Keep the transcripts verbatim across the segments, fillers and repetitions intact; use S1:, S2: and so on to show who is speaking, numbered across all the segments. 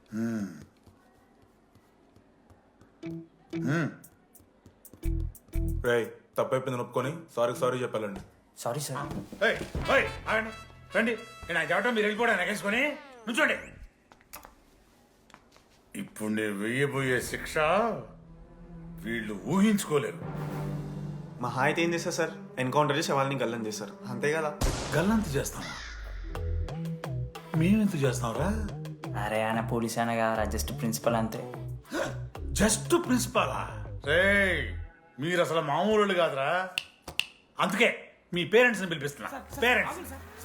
S1: రేయ్ తప్పైపోయింది ఒప్పుకొని సారీ సారీ చెప్పాలండి.
S2: Sorry sir.
S3: ఏయ్, ఏయ్, ఆగండి. రండి నేను అది చెప్పడం మీరు వెళ్ళిపోవడానికి ఎగేసుకొని నుంచోండి. ఇప్పుడు నేను వెయ్యబోయే శిక్ష వీళ్ళు ఊహించుకోలేరు.
S4: మా హాయ్ అయితే ఏం చేస్తారు సార్? ఎన్కౌంటర్ చేసి వాళ్ళని గల్లం చేస్తారు, అంతే కదా?
S3: గల్లంత చేస్తామా? మేమెంత చేస్తాంరా?
S2: అరే ఆయన పోలీస్ అయినా కదా, జస్ట్ ప్రిన్సిపల్ అంతే.
S3: జస్ట్ ప్రిన్సిపాలా? రేయ్ మీరు అసలు మామూలు కాదురా. అందుకే మీ పేరెంట్స్ ని పిలిపిస్తున్నా. పేరెంట్స్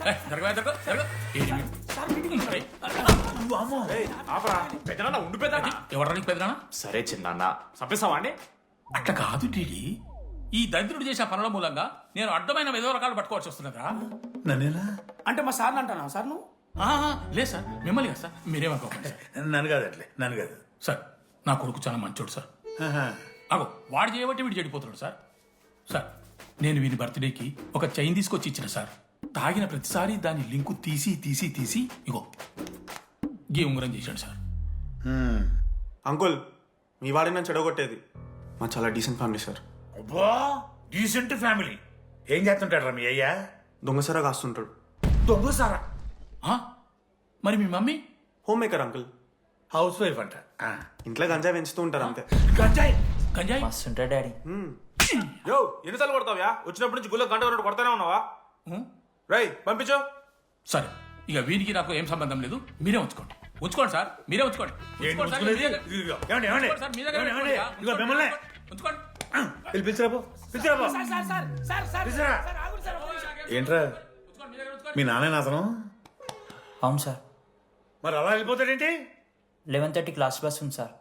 S5: సరే చిన్న చంపేస్తావా అండి?
S6: అట్లా కాదు డీడీ, ఈ దరిద్రుడు చేసే పనుల మూలంగా నేను అడ్డమైన ఏదో రకాలు పట్టుకోవాల్సి వస్తున్నదా?
S3: నన్నేనా
S6: అంటే మా సార్ని అంటానా సార్ నువ్వు? లేదు సార్, మిమ్మల్ని కదా సార్, మీరేమనుకోకండి సార్.
S3: నన్ను కాదు అట్లే నన్ను కాదు
S6: సార్ నా కొడుకు చాలా మంచోడు సార్. అగో వాడు చేయబట్టి వీడు చెడిపోతున్నాడు సార్. సార్ నేను వీని బర్త్డేకి ఒక చైన్ తీసుకొచ్చి ఇచ్చిన సార్. తాగిన ప్రతిసారి దాని లింకు తీసి తీసి తీసి ఇగో గీ ఉంగరం చేశాడు సార్.
S4: అంకుల్, మీ వాడిని నేను చెడగొట్టేది. మా చాలా డీసెంట్ ఫ్యామిలీ సార్.
S3: అబ్బా డీసెంట్ ఫ్యామిలీ. ఏం చేస్తుంటాడు రా మీ అయ్యా?
S4: దొంగసరా కాస్తుంటాడు.
S3: దొంగసారా?
S6: మరి మీ mummy?
S4: Homemaker uncle,
S3: housewife అంట.
S4: ఇంట్లో గంజాయి పెంచుతూ ఉంటారు అంతే.
S3: గంజాయి
S6: గంజాయి
S2: మస్తు ఉంటాడు డాడీ.
S4: యో ఎన్నిసార్లు కొడతావ్యా? వచ్చినప్పటి నుంచి గుళ్ళ గంట వరకు కొడతానే ఉన్నావా? రై పంపించు.
S6: సరే ఇక వీరికి నాకు ఏం సంబంధం లేదు, మీరే ఉంచుకోండి. ఉంచుకోండి సార్, మీరే ఉంచుకోండి.
S3: ఏంటి
S6: ఉంచుకోండి సార్,
S3: ఉంచుకునేది?
S6: మీరే-
S3: ఇదిగో, ఏమండి, ఏమండి?
S6: ఉంచుకోండి సార్, మీ దగ్గర
S3: ఏమండి,
S6: ఉంచుకోండి.
S3: ఏమండి? ఇదిగో మిమ్మల్ని.
S6: ఉంచుకోండి.
S3: వెళ్ళి పిలిచిరాబో పిలిచిరాబో పిలిచిరా. ఏంట్రా
S6: ఉంచుకోండి, మీ దగ్గర ఉంచుకోండి.
S3: మీ నాన్న అతను?
S2: అవును సార్.
S3: మరి అలా వెళ్ళిపోతాడేంటి?
S2: లెవెన్ థర్టీ క్లాస్ బస్ ఉంది సార్.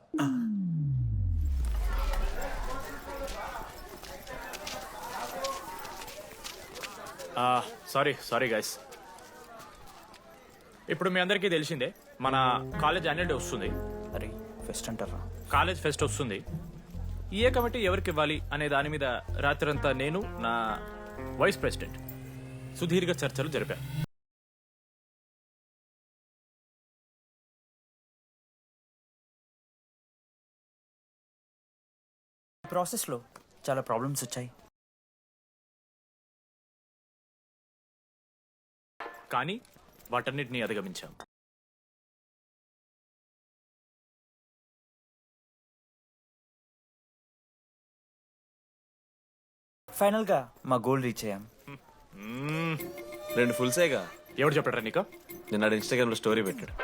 S5: Sorry sorry guys. ఇప్పుడు మీ అందరికీ తెలిసిందే మన కాలేజ్ యాన్యువల్ డే వస్తుంది.
S2: అరే ఫెస్ట్ అంటారా?
S5: కాలేజ్ ఫెస్ట్ వస్తుంది. ఏ కమిటీ ఎవరికి ఇవ్వాలి అనే దాని మీద రాత్రంతా నేను నా వైస్ ప్రెసిడెంట్ సుదీర్ఘ చర్చలు జరిపాను.
S2: ప్రాసెస్లో చాలా ప్రాబ్లమ్స్ వచ్చాయి.
S5: కానీ వాటన్నిటిని అధిగమించాం.
S2: ఫైనల్గా మా గోల్ రీచ్ అయ్యాం.
S7: రెండు ఫుల్ సేగా.
S5: ఎవరు చెప్పారా నీకు?
S7: నిన్న ఇన్స్టాగ్రామ్ లో స్టోరీ పెట్టాడు.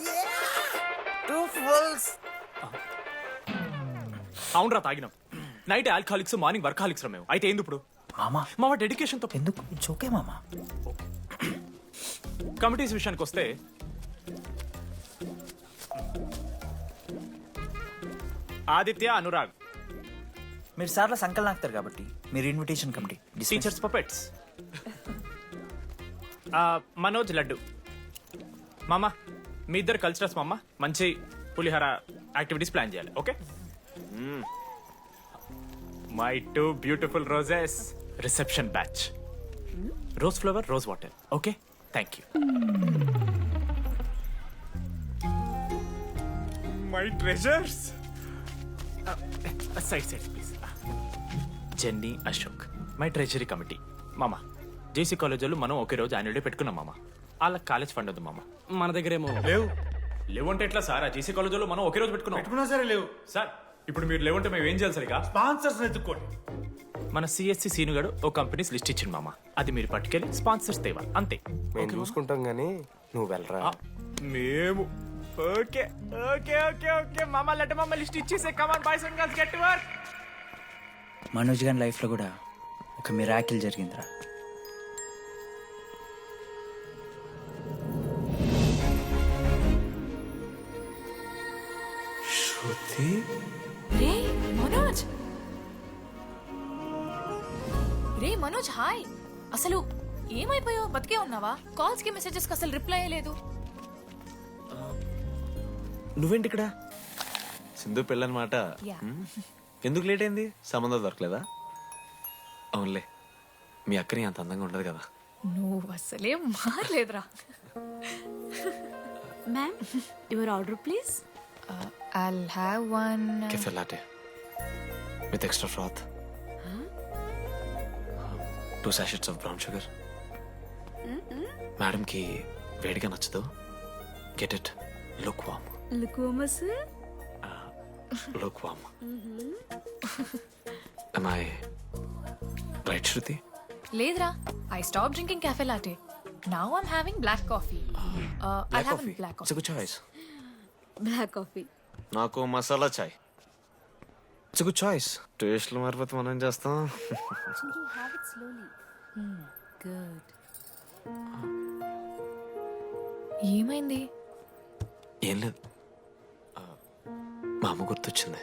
S5: అవునరా తాగినాం. నైట్ ఆల్కహాలిక్స్, మార్నింగ్ వర్కాలిక్స్ రా మేము. అయితే ఏంది ఇప్పుడు?
S2: మామా
S5: మా డెడికేషన్ తో
S2: ఎందుకు చోకే మామా.
S5: కమిటీస్ విషయానికి వస్తే ఆదిత్య, అనురాగ్
S2: మీరు సార్ల సంకల్ నాకుతారు కాబట్టి మీరు invitation committee.
S5: Teachers puppets. Manoj, Laddu. మామ మీ ఇద్దరు కల్చరల్స్ మామ. మంచి పులిహార యాక్టివిటీస్ ప్లాన్ చేయాలి. Okay? My two beautiful roses. Reception batch. Rose flower, rose water. Okay, thank you. My treasures. Side side please. Jenny, Ashok my treasury committee. మామ జేసీ కాలేజ్ వాళ్ళు మనం ఒకే రోజు యాన్యువల్ డే పెట్టుకున్నాం మామ. వాళ్ళకి కాలేజ్ ఫండ్ ఉంది మామ. మన దగ్గర ఏమో
S3: లేవు.
S5: లేవంటే ఎట్లా సార్? ఆ జేసీ కాలేజ్ వాళ్ళు మనం ఒకే రోజు పెట్టుకున్నాం.
S3: పెట్టుకున్నా సరే లేవు
S5: సార్ ఇప్పుడు మీరు లేవంటే మేము ఏం చేయాలి సరిగా?
S3: స్పాన్సర్స్ ఎత్తుక్కోండి.
S5: మన సిఎస్సి సీనుగాడు ఓ కంపెనీస్ లిస్ట్ ఇచ్చింది మామ. అది మీరు పట్టుకెళ్ళి స్పాన్సర్స్ తేవాలి అంతే.
S7: మేము చూసుకుంటాం గానీ నువ్వు వెళ్ళరా.
S5: ఆ, మేము ఓకే ఓకే ఓకే ఓకే మామ. లెట్ మామ లిస్ట్ ఇచ్చేసే. Come on boys and girls, get to work.
S2: Manoj గారి లైఫ్లో కూడా ఒక మిరాకిల్ జరిగిందిరా.
S7: శృతి
S8: రే మనోజ్, రే మనోజ్ హాయ్. అసలు ఏమైపోయావు? బతికే ఉన్నావా? కాల్స్ కి మెసేజెస్ కి అసలు రిప్లై అయ్యలేదు.
S7: నువ్వేంటి ఇక్కడ? సింధు పెళ్ళనమాట.
S8: Yeah.
S7: ఎందుకు లేట్ అయింది? సంబంధం దొరకలేదా? అవునులే, మీ అక్కని అంత అందంగా ఉండదు కదా.
S8: నువ్వు అసలే మారలేదురా.
S9: Ma'am your order please.
S8: I'll have one.
S7: Cafe latte with extra froth, two sachets of brown sugar. మేడంకి వేడిగా నచ్చదు. Get it look warm.
S9: లుకోమస్.
S7: Look warm. Am I right, Shruti?
S8: లేదురా, I stop drinking cafe latte. Now I'm having black coffee. Uh, I'll have a black
S7: It's a
S8: coffee.
S7: good choice.
S9: Black coffee.
S7: నాకు మసాలా చాయ్. It's a good choice. టేస్ట్లు మారిపోతే మనం ఏం చేస్తాం?
S9: Have it slowly. Good.
S8: ఏమైంది?
S7: ఏం లేదు, ఆ, మా అమ్మ గుర్తొచ్చింది.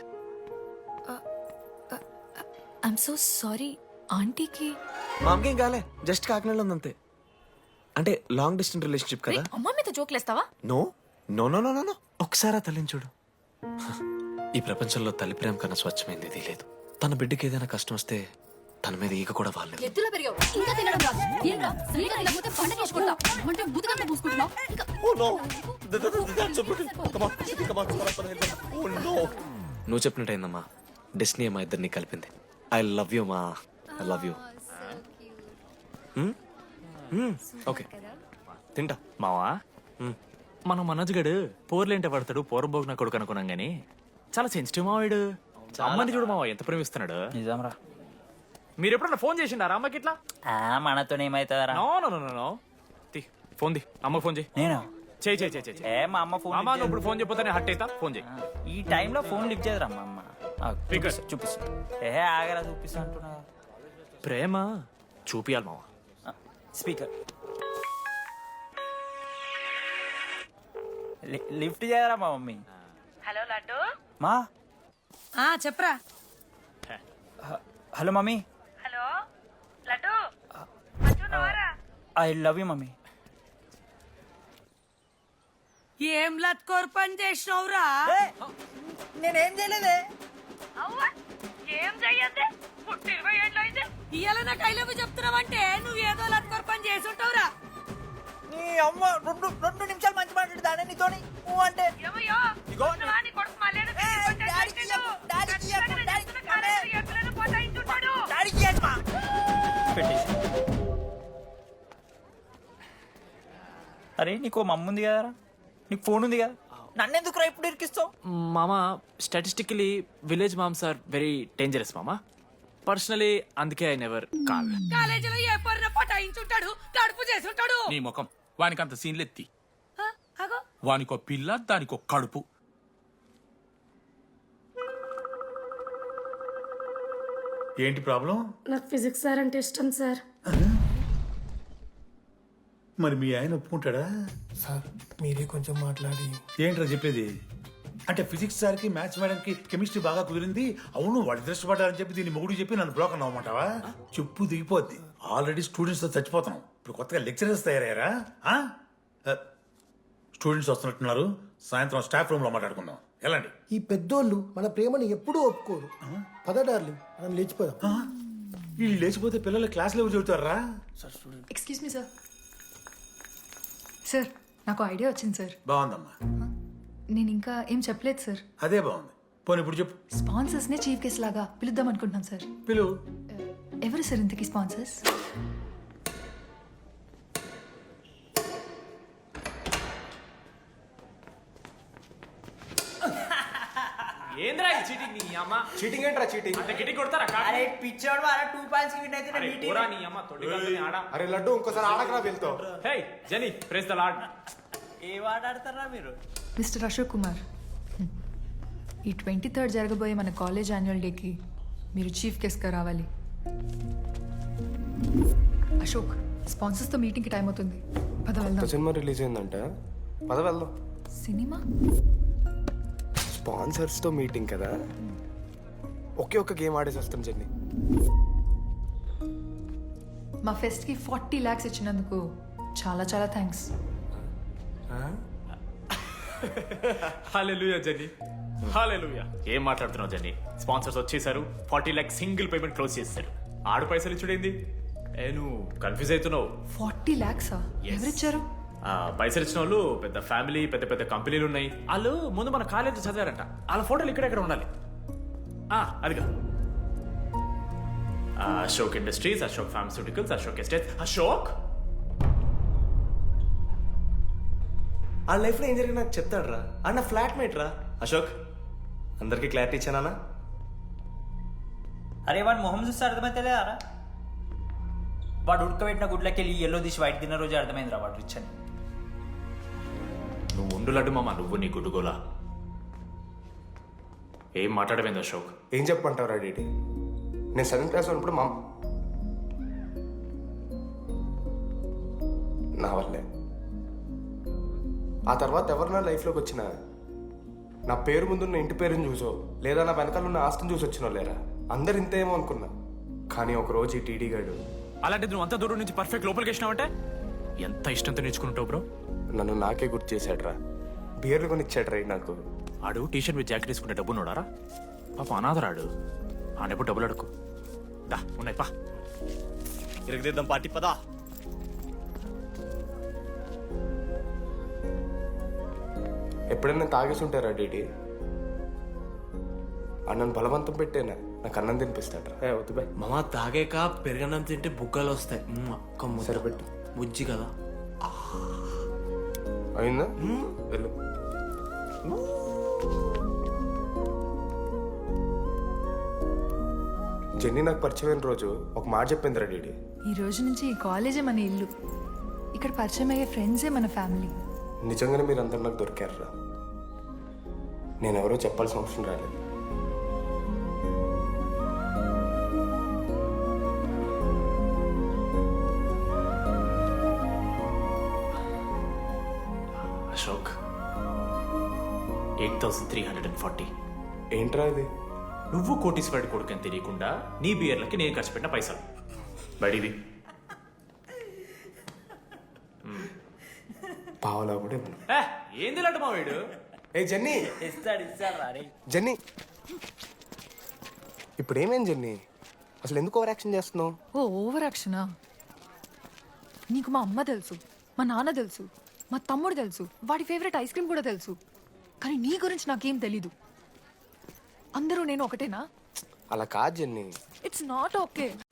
S8: I'm so sorry. ఆంటీకి
S7: మా అమ్మకి ఏం కాలే, జస్ట్ కాకినాడలో ఉందంతే. అంటే లాంగ్ డిస్టెన్స్ రిలేషన్షిప్ కదా.
S8: అమ్మ మీద జోక్లేస్తావా?
S7: No no no no no ఒకసారి ఆ తల్లిని చూడు. ఈ ప్రపంచంలో తల్లి ప్రేమ కన్నా స్వచ్ఛమైంది ఇది లేదు. తన బిడ్డకి ఏదైనా కష్టం వస్తే తన మీద ఈగ కూడా వాళ్ళలేదు.
S9: ఎత్తులో పెరిగావు ఇంకా తినడం రాదు. ఏంట్రా సరిగా తినకపోతే పంట చేసుకుంటా అంటే బుద్ధకంతా పూసుకుంటున్నావు. ఇంకా
S7: నువ్వు చెప్పినట్టయిందమ్మా, డెస్నీ మా ఇద్దరిని కలిపింది. ఐ లవ్ యూ మా, ఐ లవ్ యూ. ఓకే తింటా.
S5: మావా మనం మనోజ్ గడు పోర్లేంటే పడతాడు, పోరబోగు నా కొడుకు అనుకున్నాం గానీ చాలా సెన్సిటివ్ మావాడు. అమ్మని చూడు మావా ఎంత ప్రేమిస్తున్నాడు.
S2: నిజం రా.
S5: మీరు ఎప్పుడన్నా ఫోన్ చేసిండారా అమ్మకి ఇట్లా?
S2: మనతో ఏమైతుందరా?
S5: No no no no no తీ ఫోన్ ది, అమ్మకి ఫోన్ చేయి.
S2: నేను
S5: చేయి చేయి చేయి చేయి.
S2: ఏ మా అమ్మ ఫోన్
S5: అమ్మ నువ్వు ఇప్పుడు ఫోన్ చెప్పితే హట్ అవుతా. ఫోన్ చేయి.
S2: ఈ టైంలో ఫోన్ లిఫ్ట్ చేయదురా మా అమ్మ. ఆ,
S5: Speaker.
S2: చూపిస్తా, చూపిస్తా. ఏ ఆగరా చూపిస్తా అంటున్నా.
S5: ప్రేమ చూపియాలి మావా.
S2: స్పీకర్ లిఫ్ట్ చేయరా మా మమ్మీ.
S10: హలో లడ్డు.
S2: మా
S10: ఆ చెప్పరా.
S2: హ- hello mummy.
S10: Hello Laddu.
S2: I love you mummy.
S10: ఏం లత్కోర్ పని చేసినవురా?
S2: నేనేం చేయలేదే.
S10: ఏం చెయ్యద్దే. పుట్టి ఇరవై ఏళ్ళు అయింది. ఇయ్యాల నాకు ఐ లవ్ యూ చెప్తున్నావంటే నువ్వు ఏదో లత్కోర్ పని చేసి ఉంటావురా.
S2: నీ అమ్మ రెండు రెండు నిమిషాలు మంచి మాట్లాడుతానే నీతోని. నువ్వు అంటే
S10: ఏమయ్యో నువ్వా నీ కొడుకు మళ్ళీ ఏదో పిచ్చి పట్టాడు
S2: డాడీకి
S10: పెట్టాడు.
S2: చెప్పు, డాడీకి చెప్పు,
S10: ఖచ్చితంగా
S2: డాడీకి
S10: చెప్తున్నా, కాలేజీలో ఎక్కడైనా పోతాయించుంటాడు.
S2: డాడీకి చెప్పు మా. పెట్టేసి. అరే నీకు మమ్మ ఉంది కదరా, నీకు ఫోన్ ఉంది కదా, నన్ను ఎందుకు రా ఇప్పుడు ఇరికిస్తావు?
S5: మామా statistically village moms are very dangerous మామా. పర్సనలీ అందుకే ఐ నెవర్ కాల్.
S10: కాలేజీలో ఏ పొరిన పటాయించుంటాడు, కడుపు చేసి ఉంటాడు.
S6: నీ ముఖం వానికి అంత సీన్లెత్తి.
S10: ఆ, అగో
S6: వానికో పిల్ల దానికో కడుపు.
S3: ఏంటి ప్రాబ్లం?
S9: నాకు ఫిజిక్స్ సార్ అంటే ఇష్టం సార్.
S3: మరి మీ ఆయన ఒప్పుకుంటాడా?
S11: సార్ మీరే కొంచెం మాట్లాడి.
S3: ఏంట్రా చెప్పేది? అంటే ఫిజిక్స్ సార్కి మ్యాథ్స్ మేడంకి కెమిస్ట్రీ బాగా కుదిరింది, అవును వాడు దృష్టపడ్డారని చెప్పి దీన్ని మొగుడు చెప్పి నన్ను బ్రోకర్ అవ్వమంటావా? చెప్పు దిగిపోద్ది. ఆల్రెడీ స్టూడెంట్స్ తో చచ్చిపోతున్నాం, ఇప్పుడు కొత్తగా లెక్చరర్స్ తయారయ్యారా? స్టూడెంట్స్ వస్తున్నట్టున్నారు, సాయంత్రం స్టాఫ్ రూమ్ లో మాట్లాడుకుందాం. ఎలాంటి
S11: ఈ పెద్దోళ్ళు మన ప్రేమను ఎప్పుడూ ఒప్పుకోరు. పద డార్లింగ్ మనం లేచిపోదాం.
S3: వీళ్ళు లేచిపోతే పిల్లలు క్లాస్లో ఎవరు చెబుతారా?
S8: Excuse me sir. సార్ నాకు ఐడియా వచ్చింది సార్.
S3: బాగుందమ్మా,
S8: నేను ఇంకా ఏం చెప్పలేదు సార్.
S3: అదే బాగుంది. పోనీ ఇప్పుడు చెప్పు.
S8: స్పాన్సర్స్ నే చీఫ్ గెస్ట్ లాగా పిలుద్దాం అనుకుంటున్నాం సార్.
S3: పిలువు.
S8: ఎవరు సార్ ఇంతకీ స్పాన్సర్స్?
S5: ఏంద్రా ఈ చీటింగ్ నీ అమ్మ?
S7: చీటింగ్ ఏంట్రా చీటింగ్?
S5: అంత గిటి కొడతారా?
S2: అరే పిచ్చోడు అలా టూ పాయింట్స్ విన్ అయితే
S5: అరే, పోరా నీ అమ్మ తొడి కాలుని ఆడ.
S7: అరే లడ్డు ఇంకోసారి ఆడకరా వెళ్తావు.
S5: Hey Jani praise the lord.
S2: ఏ ఆడాడతారా మీరు?
S8: మిస్టర్ అశోక్ కుమార్, ఈ ట్వంటీ థర్డ్ జరగబోయే మన కాలేజ్ యాన్యువల్ డేకి మీరు చీఫ్ గెస్ట్గా రావాలి. అశోక్, స్పాన్సర్స్తో మీటింగ్కి టైం అవుతుంది, పద వెళ్దాం.
S11: సినిమా రిలీజ్ అయిందంట, పద వెళ్దాం.
S8: సినిమా?
S11: స్పాన్సర్స్ తో మీటింగ్ కదా, ఒకే ఒక్క గేమ్ ఆడేసి వస్తాం జర్నీ.
S8: మా ఫెస్ట్కి ఫార్టీ ల్యాక్స్ ఇచ్చినందుకు చాలా చాలా థ్యాంక్స్.
S5: హల్లెలూయా జని, హల్లెలూయా. ఏం మాట్లాడుతున్నావు జని? స్పాన్సర్స్ వచ్చేసారు, forty lakh single payment close చేస్తారు. ఆడు పైసలు ఇచ్చుడేంది? ఏ నువ్వు కన్ఫ్యూజ్ అవుతున్నావు.
S8: ఫార్టీ ల్యాక్సా? ఎవరిచ్చారు?
S5: ఆ, పైసలు ఇచ్చిన వాళ్ళు పెద్ద ఫ్యామిలీ పెద్ద పెద్ద కంపెనీలు ఉన్నాయి వాళ్ళు ముందు మన కాలేజ్ చదివారంట వాళ్ళ ఫోటోలు ఇక్కడెక్కడ ఉండాలి ఆ, అదిగా ఆ, Ashok industries Ashok pharmaceuticals Ashok estate Ashok
S7: ఆ లైఫ్లో ఏం జరిగింది నాకు చెప్తాడు రా అన్న ఫ్లాట్ మేట్ రా అశోక్ అందరికీ క్లారిటీ ఇచ్చానా
S2: అరే వాడు మొహం చూస్తే అర్థమైతే లేదారా వాడు ఉడకబెట్టిన గుడ్లకి వెళ్ళి ఎల్లో తీసి వైట్ తిన్న రోజు అర్థమైందిరా వాడు రిచ్ అని
S5: నువ్వు ఉండు లడ్డు మామ నువ్వు నీ గుడ్డుగోలా ఏం మాట్లాడమైంది అశోక్
S7: ఏం చెప్పమంటావు రా డీటీ నేను సెవెంత్ క్లాస్ ఉన్నప్పుడు మా నా వల్లే ఆ తర్వాత ఎవరు నా లైఫ్లోకి వచ్చినా నా పేరు ముందున్న ఇంటి పేరుని చూసో లేదా నా వెనకాల ఉన్న ఆస్తిని చూసి వచ్చినో లేరా అందరు ఇంతేమో అనుకున్నా కానీ ఒక రోజు ఈ టీడీ గాడు
S5: అలాంటిది నువ్వు అంత దూరం నుంచి పర్ఫెక్ట్ లోపలికి వచ్చినావంటే ఎంత ఇష్టంతో నేర్చుకుంటావు బ్రో
S7: నన్ను నాకే గుర్తు చేశాడు రా బియర్లు కొని ఇచ్చాడు రా నాకు
S5: ఆడు టీషర్ట్ మీద జాకెట్ వేసుకుంటే డబ్బు నోడారా పాప అనాథరాడు ఆడెప్పుడు డబ్బులు అడుకు దా ఉన్నాయి పా
S7: ఇరగదిద్దాం పార్టీ పదా ఎప్పుడైనా తాగేసి ఉంటారా డీటీ అన్నను బలవంతం పెట్టేనా నాకు అన్నం తినిపిస్తాడు రా వద్దు బాయ్
S12: మామ తాగాక పెరగన్నం తింటే బుగ్గలు వస్తాయి మ్మ్, అక్క ముద్ద.
S7: సరిపెట్టు
S12: బుజ్జి కదా
S7: అయిందా వెళ్ళు జెన్నీ నాకు పరిచయమైన రోజు ఒక మాట చెప్పింది రా డీడీ
S8: ఈ రోజు నుంచి ఈ కాలేజే మన ఇల్లు. ఇక్కడ పరిచయం అయ్యే ఫ్రెండ్సే మన ఫ్యామిలీ.
S7: నిజంగానే మీరు అందరు నాకు దొరికారు రా నేను ఎవరో చెప్పాల్సిన అవసరం రాలేదు
S5: Ashok eight thousand three hundred and forty
S7: ఏంట్రా ఇది
S5: నువ్వు కోటీశ్వరుడి కొడుకు అని తెలియకుండా నీ బియర్లకి నేను ఖర్చు పెట్టిన పైసలు బడిది
S7: పావలా కూడా ఇవ్వను.
S5: ఏ, ఏంది లడ్డు మా వీడు
S7: ఏ జెన్నీ
S2: ఇస్తాడు ఇస్తాడు రా రే
S7: జెన్నీ ఇప్పుడు ఏమైంది జెన్నీ అసలు ఎందుకు ఓవర్ యాక్షన్ చేస్తున్నావు
S8: ఓ ఓవర్ యాక్షనా? నీకు మా అమ్మ తెలుసు, మా నాన్న తెలుసు, మా తమ్ముడు తెలుసు, వాడి ఫేవరెట్ ఐస్ క్రీమ్ కూడా తెలుసు. కానీ నీ గురించి నాకేం తెలీదు. అందరూ నేను ఒకటేనా?
S7: అలా కాదు జెన్నీ
S8: ఇట్స్ నాట్ ఓకే.